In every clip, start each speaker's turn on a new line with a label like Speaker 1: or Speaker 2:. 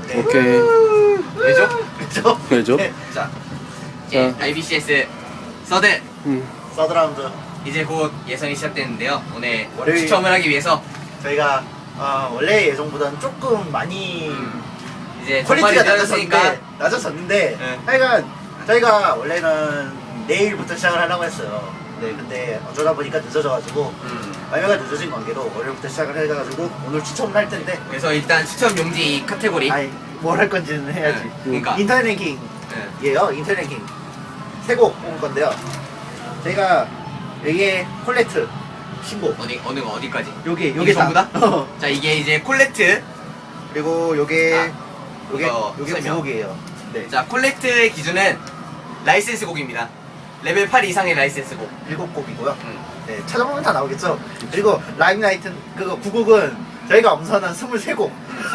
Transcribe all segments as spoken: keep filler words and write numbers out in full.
Speaker 1: 네.
Speaker 2: 오케이.
Speaker 3: 왜죠?
Speaker 1: 그죠?
Speaker 2: 왜죠?
Speaker 1: 네.
Speaker 3: 자, 예, 아이비씨에스 서드
Speaker 2: 음.
Speaker 1: 서드 라운드
Speaker 3: 이제 곧 예선이 시작되는데요. 오늘
Speaker 1: 월요일.
Speaker 3: 추첨을 하기 위해서
Speaker 1: 저희가 어, 원래 예정보다는 조금 많이
Speaker 3: 음, 이제
Speaker 1: 퀄리티가
Speaker 3: 전반이 늦어졌으니까
Speaker 1: 낮아졌는데 낮아졌는데
Speaker 3: 네.
Speaker 1: 하여간 저희가 원래는 내일부터 시작을 하려고 했어요. 네, 근데 어쩌다 보니까 늦어져가지고
Speaker 3: 음,
Speaker 1: 발매가 늦어진 관계로 월요일부터 시작을 해가지고 오늘 추첨을 할 텐데
Speaker 3: 그래서 일단 추첨 용지 이 카테고리.
Speaker 1: 아니 뭘 할 건지는 해야지.
Speaker 3: 네, 그러니까
Speaker 1: 인터넷 랭킹이에요.
Speaker 3: 네.
Speaker 1: 인터넷 랭킹 세 곡 뽑을 건데요. 저희가 여기에 콜레트 신곡
Speaker 3: 어디 어느 거 어디까지?
Speaker 1: 요게
Speaker 3: 이게
Speaker 1: 요게
Speaker 3: 전부 다?
Speaker 1: 어.
Speaker 3: 자, 이게 이제 콜레트.
Speaker 1: 그리고 요게
Speaker 3: 아,
Speaker 1: 요게
Speaker 3: 이거
Speaker 1: 요게
Speaker 3: 설명.
Speaker 1: 구곡이에요. 네.
Speaker 3: 자, 콜레트의 기준은 라이센스 곡입니다. 레벨 팔 이상의 라이센스 곡.
Speaker 1: 일곱 곡이고요.
Speaker 3: 음.
Speaker 1: 네, 찾아보면 다 나오겠죠. 그리고 라임라이트 그거 구곡은 저희가 엄선한 스물세 곡.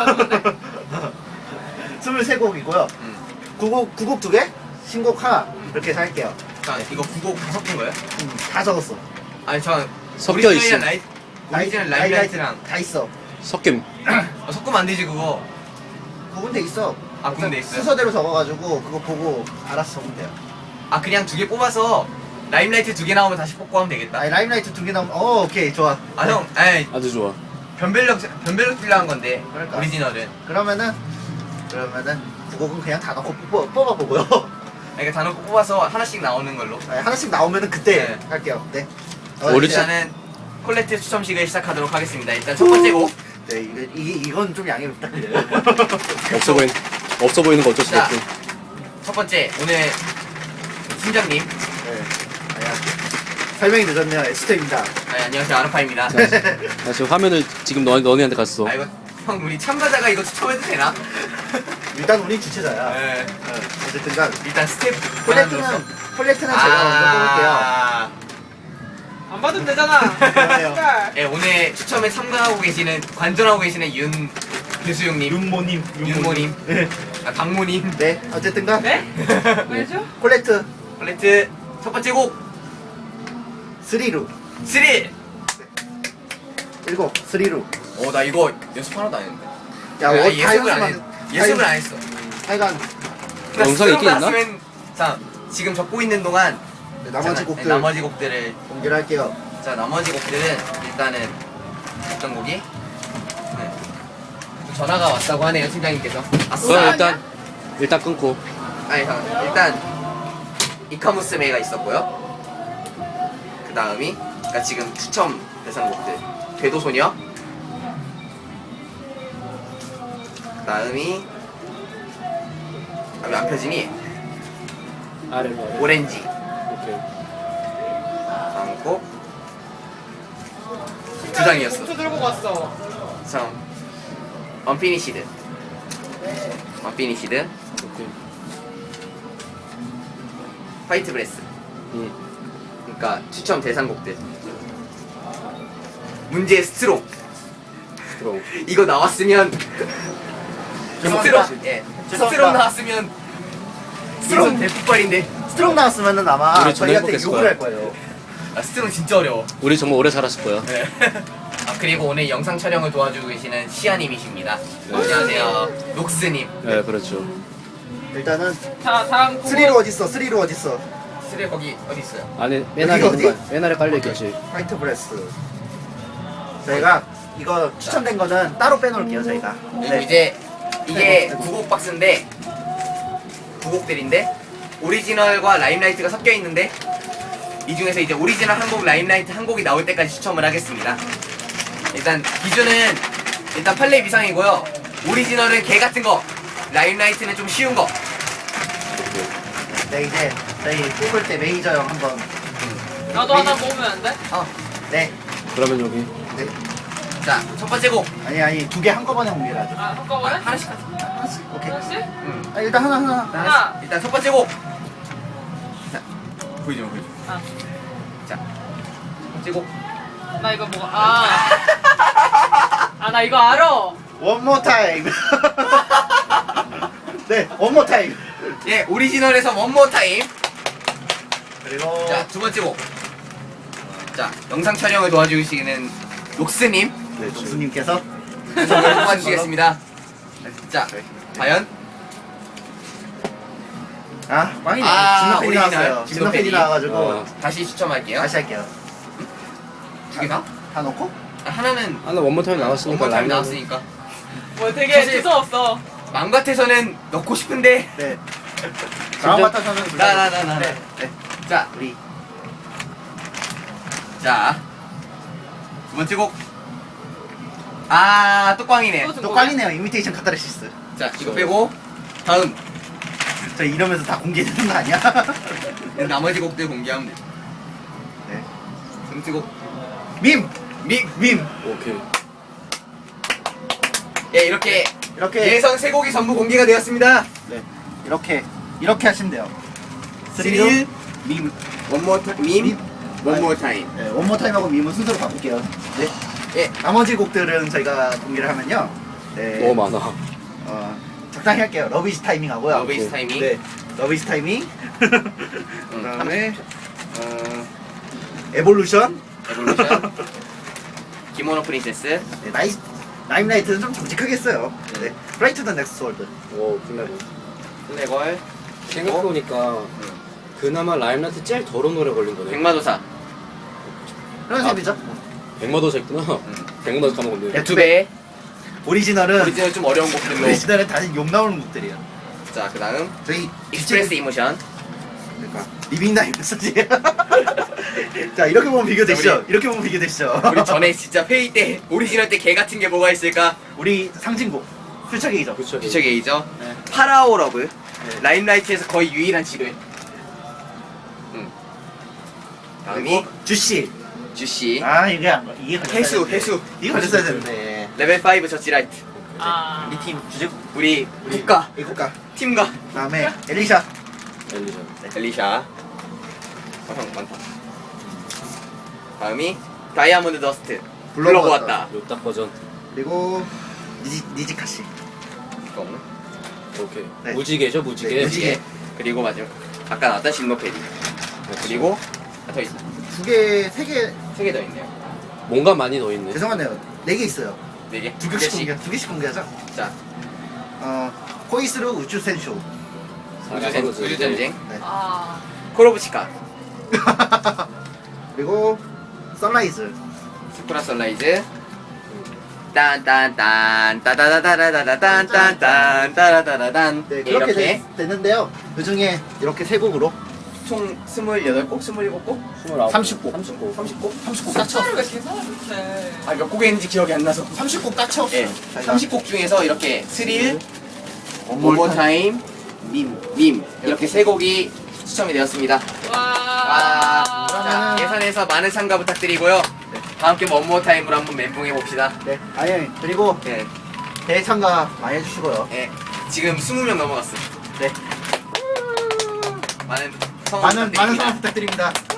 Speaker 1: 스물세 곡이고요.
Speaker 3: 음.
Speaker 1: 구곡 구곡 두 개, 신곡 하나 이렇게 할게요.
Speaker 3: 자, 이거 구곡 다 섞은 거예요?
Speaker 1: 음, 다 적었어.
Speaker 3: 아니, 저
Speaker 2: 섞여
Speaker 3: 오리지널이랑
Speaker 2: 있어.
Speaker 3: 라이,
Speaker 1: 라이-
Speaker 3: 오리지널
Speaker 1: 라이라이트
Speaker 3: 라이라이트랑
Speaker 1: 다 있어.
Speaker 2: 섞임.
Speaker 3: 어, 섞으면 안 되지 그거.
Speaker 1: 구분돼 있어.
Speaker 3: 아, 구분돼 있어요?
Speaker 1: 순서대로 적어가지고 그거 보고 알아서 적으면 돼요.
Speaker 3: 아, 그냥 두 개 뽑아서 라임라이트 두 개 나오면 다시 뽑고 하면 되겠다.
Speaker 1: 아니 라임라이트 두 개 나오면 어 오케이 좋아.
Speaker 3: 아, 형, 아이,
Speaker 2: 아주 좋아.
Speaker 3: 변별력 변별력 필요한 건데
Speaker 1: 그러니까.
Speaker 3: 오리지널은.
Speaker 1: 그러면은 그러면은 구곡은 그냥 다 넣고 뽑아, 뽑아보고요.
Speaker 3: 그러니까 다 넣고 뽑아서 하나씩 나오는 걸로.
Speaker 1: 아니, 하나씩 나오면은 그때
Speaker 3: 네.
Speaker 1: 할게요. 네.
Speaker 2: 오리지-
Speaker 3: 일단은 콜레트 추첨식을 시작하도록 하겠습니다. 일단 첫 번째 곡.
Speaker 1: 네, 이거, 이, 이건 좀 양해 부탁드려요.
Speaker 2: 없어 보인 없어 보이는 거 어쩔 수
Speaker 3: 자.
Speaker 2: 없고.
Speaker 3: 첫 번째 오늘 팀장님.
Speaker 1: 네. 아야. 설명이 늦었네요. 에스터입니다.
Speaker 3: 아, 안녕하세요, 아르파입니다.
Speaker 2: 나 지금 화면을 지금 너 너네한테 갔어.
Speaker 3: 아, 이거 형 우리 참가자가 이거 추첨해도 되나?
Speaker 1: 일단 우리 주최자야.
Speaker 3: 네.
Speaker 1: 어, 어쨌든간
Speaker 3: 일단 스텝
Speaker 1: 콜렉트는 콜렉트는 제가 먼저 뽑을게요.
Speaker 3: 아,
Speaker 4: 안 받으면 되잖아.
Speaker 1: 그러네요.
Speaker 3: 네, 오늘 추첨에 참가하고 계시는 관전하고 계시는 윤 교수용님,
Speaker 1: 윤모님,
Speaker 3: 윤모님,
Speaker 1: 네.
Speaker 3: 아, 박모님.
Speaker 1: 네, 어쨌든간
Speaker 4: 네? 왜죠?
Speaker 1: 콜렉트
Speaker 3: 콜레트 첫 번째 곡
Speaker 1: 스리루
Speaker 3: 스릴.
Speaker 1: 일곱 스리루.
Speaker 3: 어, 나 이거 연습 하나도 안 했는데.
Speaker 1: 야,
Speaker 3: 아,
Speaker 1: 어, 다
Speaker 3: 예습을 안 했.
Speaker 1: 연습만-
Speaker 3: 예습을
Speaker 1: 다
Speaker 3: 안 했어.
Speaker 1: 하여간
Speaker 3: 그러니까
Speaker 2: 영상이 있긴 있나?
Speaker 3: 스스로가 쓰면- 자, 지금 적고 있는 동안
Speaker 1: 네, 나머지
Speaker 3: 자,
Speaker 1: 곡들
Speaker 3: 네, 나머지 곡들을
Speaker 1: 공개를 할게요.
Speaker 3: 자, 나머지 곡들은 일단은 어떤 곡이? 네. 또 전화가 왔다고 하네요, 팀장님께서. 아싸.
Speaker 2: 어, 일단 일단 끊고.
Speaker 3: 아니, 잠깐. 일단 이카무스메가 있었고요. 그 다음이 그러니까 지금 추첨 대상곡들 궤도소녀. 그 다음이 아, 왜 안 펴지니?
Speaker 2: 아래 아래.
Speaker 3: 오렌지.
Speaker 2: 오케이.
Speaker 3: 다음 곡 두 장이었어.
Speaker 4: 봉투 들고 갔어.
Speaker 3: 참 언피니시드. 언피니시드.
Speaker 2: 오케이.
Speaker 3: 화이트 브레스.
Speaker 2: 음.
Speaker 3: 그러니까 추첨 대상곡들. 문제 스트롱.
Speaker 2: 들어.
Speaker 3: 이거 나왔으면
Speaker 1: 죄송합니다.
Speaker 3: 스트롱. 예.
Speaker 1: 죄송합니다.
Speaker 3: 스트롱 나왔으면 스트롱 대폭발인데.
Speaker 1: 스트롱 나왔으면은 아마
Speaker 2: 우리 정말
Speaker 1: 저희한테
Speaker 2: 행복했을
Speaker 1: 욕을
Speaker 2: 거야.
Speaker 1: 할 거예요.
Speaker 3: 아, 스트롱 진짜 어려워.
Speaker 2: 우리 정말 오래 살았을 거야.
Speaker 3: 네. 아, 그리고 오늘 영상 촬영을 도와주고 계시는 시아님이십니다.
Speaker 2: 네.
Speaker 3: 안녕하세요. 녹스님.
Speaker 2: 네, 그렇죠.
Speaker 1: 일단은
Speaker 4: 자, 다음 곡은
Speaker 1: 스리루 어딨어? 스리루 어딨어?
Speaker 3: 스레 거기 어디 있어요?
Speaker 2: 안에 맨 아래
Speaker 1: 어디,
Speaker 2: 있는
Speaker 1: 어디?
Speaker 2: 거. 맨 아래 깔려 있겠지.
Speaker 1: 화이트 브레스. 저희가 이거 추천된 거는 따로 빼놓을게요. 저희가.
Speaker 3: 그리고 이제 이게 구곡 박스인데 구곡들인데 오리지널과 라임라이트가 섞여 있는데 이 중에서 이제 오리지널 한 곡, 라임라이트 한 곡이 나올 때까지 추첨을 하겠습니다. 일단 기준은 일단 팔 렙 이상이고요. 오리지널은 개 같은 거, 라임라이트는 좀 쉬운 거.
Speaker 1: 네 이제 저희 뽑을 때 매니저 형 한번.
Speaker 4: 나도 하나 모으면 안 돼?
Speaker 3: 어,
Speaker 1: 네.
Speaker 2: 그러면 여기
Speaker 1: 네.
Speaker 3: 자, 첫 번째 곡.
Speaker 1: 아니 아니 두 개 한꺼번에 공개를 하죠.
Speaker 4: 아, 한꺼번에?
Speaker 3: 하나씩 하자.
Speaker 1: 하나씩. 오케이.
Speaker 4: 하나씩?
Speaker 3: 응.
Speaker 1: 아, 일단 하나 하나.
Speaker 3: 자,
Speaker 4: 하나.
Speaker 3: 하나씩. 일단 첫 번째 곡. 자, 보이죠, 보이죠.
Speaker 4: 아,
Speaker 3: 자, 첫 번째 곡.
Speaker 4: 나 이거 뭐, 아. 아, 나 이거 알아.
Speaker 1: One more time. 네, one more time.
Speaker 3: 예, 오리지널에서 원모 타임.
Speaker 1: 그리고
Speaker 3: 자, 두 번째 곡. 자, 영상 촬영을 도와주시는 녹스님.
Speaker 1: 네, 동수님께서
Speaker 3: 선물 뽑아주시겠습니다. 자, 과연?
Speaker 1: 아 꽝이네.
Speaker 3: 아,
Speaker 1: 진노팬이
Speaker 3: 오리지널.
Speaker 1: 나왔어요. 진노팬이
Speaker 3: 진노팬이.
Speaker 1: 나와가지고
Speaker 2: 어.
Speaker 3: 다시 추첨할게요.
Speaker 1: 다시 할게요.
Speaker 3: 두 개 다?
Speaker 1: 다 넣고?
Speaker 3: 아, 하나는
Speaker 2: 하나 원모 타임 나왔으니까
Speaker 3: 원모 타임
Speaker 2: 라인
Speaker 3: 나왔으니까.
Speaker 4: 뭐 되게
Speaker 3: 사실-
Speaker 4: 무서웠어.
Speaker 3: 마음 같아서는 넣고 싶은데.
Speaker 1: 네. 다음 같아서는
Speaker 3: 나, 나, 나, 나, 나.
Speaker 1: 네. 네.
Speaker 3: 자,
Speaker 1: 우리
Speaker 3: 자. 두 번째 곡. 아, 또 꽝이네.
Speaker 4: 또
Speaker 1: 또 꽝이네요. 이미테이션 카타르시스.
Speaker 3: 자, 이거 빼고. 다음.
Speaker 1: 저 이러면서 다 공개되는 거 아니야?
Speaker 3: 나머지 곡들 공개하면 돼.
Speaker 1: 네.
Speaker 3: 두 번째 곡.
Speaker 1: 밈!
Speaker 3: 믹!
Speaker 1: 밈!
Speaker 2: 오케이.
Speaker 3: 예, 이렇게
Speaker 1: 이렇게
Speaker 3: 예선 세 곡이 전부 공개가 되었습니다.
Speaker 1: 네. 이렇게 이렇게 하시면 돼요.
Speaker 3: 스릴,
Speaker 1: 밈.
Speaker 3: 원모 타임, 밈,
Speaker 1: 밈.
Speaker 3: 원모 타임.
Speaker 1: 네, 원모 타임하고 밈은 순서로 바꿀게요. 네.
Speaker 3: 예,
Speaker 1: 나머지 곡들은 저희가 공개를 하면요. 네.
Speaker 2: 너무 많아.
Speaker 1: 어, 적당히 할게요. 러비스 타이밍 하고요.
Speaker 3: 러비스 타이밍.
Speaker 1: 네. 러비스 타이밍.
Speaker 3: 음,
Speaker 1: 그다음에 어, 에볼루션.
Speaker 3: 에볼루션. 기모노 프린세스.
Speaker 1: 네, 나이 라임라이트는 좀 정직하게 했어요. 네. 플라이 투 더 넥스트 월드.
Speaker 2: 오 플레고.
Speaker 3: 플래걸.
Speaker 2: 생각해보니까 그나마 라임라이트 제일 더러운 노래 걸린 거네.
Speaker 3: 백마도사.
Speaker 1: 그런
Speaker 2: 아.
Speaker 1: 셈이죠.
Speaker 2: 백마도사 있구나. 백마도사 까먹었네.
Speaker 3: 네, 두 배.
Speaker 1: 오리지널은
Speaker 3: 오리지널 좀 어려운 곡들로.
Speaker 1: 오리지널은 다시 욕 나오는 곡들이에요.
Speaker 3: 자, 그 다음.
Speaker 1: 저희
Speaker 3: 익스프레스 이모션.
Speaker 1: 그러니까 리빙 나이 메시지. 자 이렇게 보면 비교되시죠.
Speaker 3: 우리-
Speaker 1: 이렇게 보면 비교되시죠.
Speaker 3: 우리 전에 진짜 회의 때 오리지널 때 개 같은 게 뭐가 있을까?
Speaker 1: 우리 상징곡 퓨처 게이죠.
Speaker 2: 그쵸.
Speaker 3: 피처 게이저.
Speaker 1: 네.
Speaker 3: 파라오 러브.
Speaker 1: 네.
Speaker 3: 라임라이트에서 거의 유일한 지뢰. 응. 다음이
Speaker 1: 그리고 주씨.
Speaker 3: 주시.
Speaker 1: 아 이게 안 걸- 이게 걸렸어야
Speaker 3: 해수,
Speaker 1: 되는데.
Speaker 3: 해수.
Speaker 1: 이게 걸렸어야 되는데.
Speaker 3: 레벨 오 저지라이트.
Speaker 4: 아.
Speaker 1: 우리 팀 주제
Speaker 3: 우리 국가
Speaker 1: 이 국가.
Speaker 3: 팀과
Speaker 1: 다음에 엘리샤.
Speaker 2: 엘리자.
Speaker 3: 엘리샤. 화상 많다. 다음이 다이아몬드 더스트.
Speaker 1: 불러보았다.
Speaker 3: 불러보았다.
Speaker 2: 요딱 버전.
Speaker 1: 그리고 니지 니지카 씨.
Speaker 3: 이거.
Speaker 2: 오케이.
Speaker 1: 네.
Speaker 2: 무지개죠 무지개.
Speaker 1: 네, 무지개.
Speaker 3: 예. 그리고 마지막 아까 나왔던 신노페리. 그리고 아, 더 있어.
Speaker 1: 두 개, 세 개.
Speaker 3: 세 개 더 있네요.
Speaker 2: 뭔가 많이 더 있네.
Speaker 1: 죄송하네요. 네 개 있어요.
Speaker 3: 네 개.
Speaker 1: 두 개씩 공개. 두 개씩 공개하자.
Speaker 3: 자,
Speaker 1: 어 코이스루 우주 센쇼.
Speaker 3: 우주전 우주전쟁.
Speaker 1: 네.
Speaker 4: 아.
Speaker 3: 콜오브치카.
Speaker 1: 그리고 선라이즈.
Speaker 3: 스쿠라 선라이즈. 딴딴딴 따다다다다다딴딴딴 따다다다단.
Speaker 1: 네
Speaker 3: 예,
Speaker 1: 그렇게
Speaker 3: 이렇게
Speaker 1: 됐, 됐는데요. 그 중에 이렇게 세 곡으로
Speaker 3: 총 스물여덟 곡, 스물일곱 곡,
Speaker 2: 스물아홉.
Speaker 1: 삼십 곡.
Speaker 2: 삼십 곡.
Speaker 3: 삼십 곡.
Speaker 1: 삼십 곡
Speaker 4: 숫자를 왜 계산을 못해?
Speaker 3: 아, 몇 곡인지 기억이 안 나서.
Speaker 1: 삼십 곡 딱 채웠어요.
Speaker 3: 예, 삼십 곡 중에서 이렇게 스릴,
Speaker 1: 원몰
Speaker 3: 원모 타임, 밈, 밈 이렇게 세 곡이 추첨이 되었습니다.
Speaker 4: 와.
Speaker 3: 와, 자, 예선에서 많은 참가 부탁드리고요. 다음 게 원모 타임으로 한번 멘붕해 봅시다.
Speaker 1: 네. 아니 그리고
Speaker 3: 예,
Speaker 1: 대참가 많이 해주시고요.
Speaker 3: 예, 지금 스무 명 넘어갔어.
Speaker 1: 네.
Speaker 3: 많은 성원
Speaker 1: 많은 많은
Speaker 3: 부탁드립니다.
Speaker 1: 성원 부탁드립니다.